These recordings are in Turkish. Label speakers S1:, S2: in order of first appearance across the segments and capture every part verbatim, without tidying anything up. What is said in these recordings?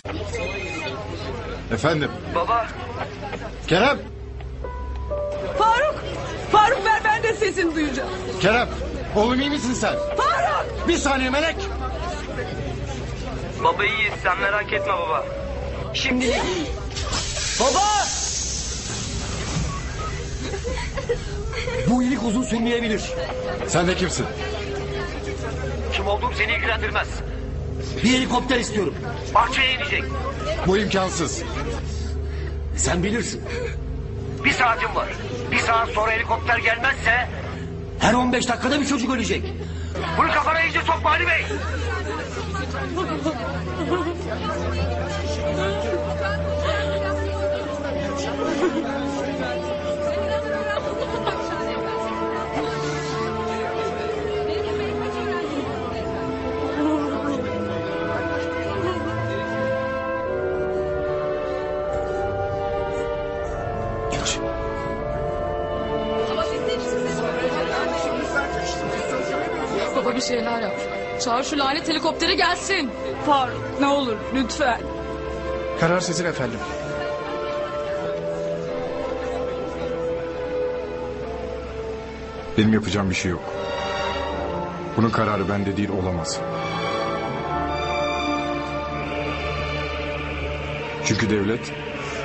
S1: Efendim?
S2: Baba.
S1: Kerem!
S3: Faruk! Faruk ver, ben de sesini duyacağım.
S1: Kerem! Oğlum iyi misin sen?
S3: Faruk!
S1: Bir saniye Melek!
S2: Baba iyiyiz, sen merak etme baba. Şimdilik.
S3: Baba!
S4: Bu iyilik uzun sürmeyebilir.
S1: Sen de kimsin?
S2: Kim olduğum seni ilgilendirmez.
S4: Bir helikopter istiyorum.
S2: Bahçeye inecek.
S1: Bu imkansız.
S4: Sen bilirsin.
S2: Bir saatim var. Bir saat sonra helikopter gelmezse...
S4: Her on beş dakikada bir çocuk ölecek.
S2: Bunu kafana iyice sokma Ali Bey.
S4: Geç.
S5: Baba bir şeyler yap. Çağır şu lanet helikopteri gelsin.
S3: Faruk ne olur lütfen.
S6: Karar sizin efendim.
S1: Benim yapacağım bir şey yok. Bunun kararı bende değil, olamaz. Çünkü devlet...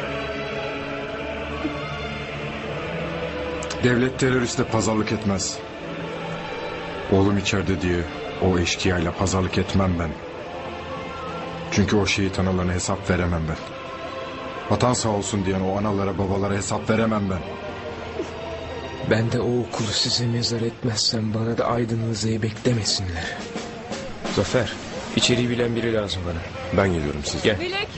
S1: Devlet teröristle pazarlık etmez. Oğlum içeride diye o eşkıyayla pazarlık etmem ben. Çünkü o şehit analarına hesap veremem ben. Vatan sağ olsun diyen o analara babalara hesap veremem ben.
S7: Ben de o okulu size mezar etmezsem bana da aydınlığı zeybek demesinler. Zafer, içeriği bilen biri lazım bana.
S8: Ben geliyorum siz.
S7: Gel.
S5: Melek.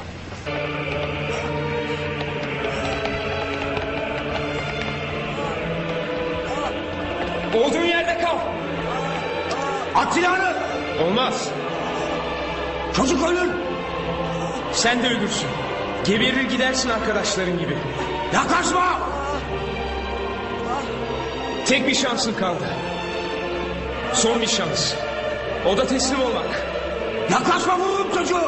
S7: Olduğun yerde kal.
S4: At silahını.
S7: Olmaz.
S4: Çocuk ölür.
S7: Sen de ölürsün. Geberir gidersin arkadaşların gibi.
S4: Yaklaşma.
S7: Tek bir şansın kaldı. Son bir şans. O da teslim olmak.
S4: Yaklaşma, vururum çocuğu.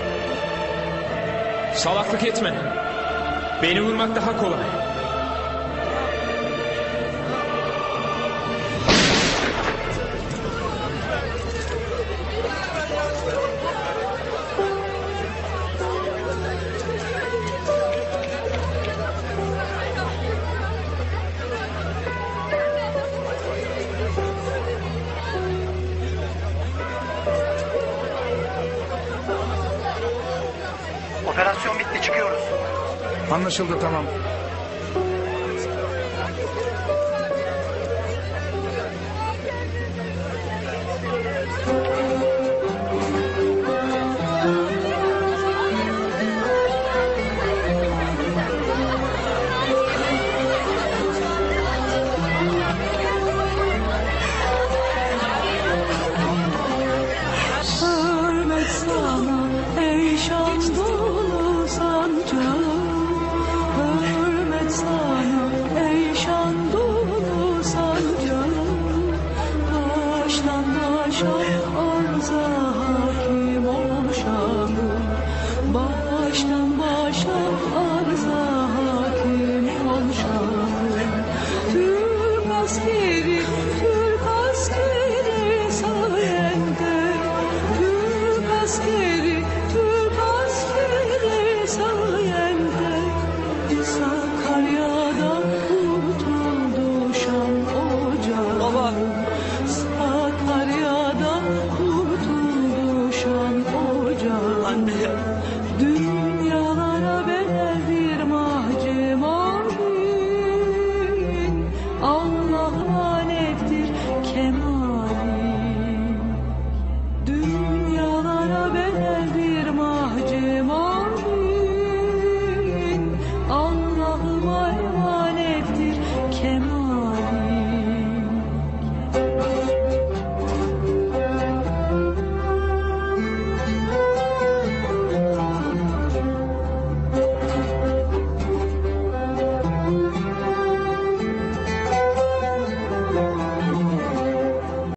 S7: Salaklık etme. Beni vurmak daha kolay.
S2: Operasyon bitti, çıkıyoruz.
S6: Anlaşıldı, tamam.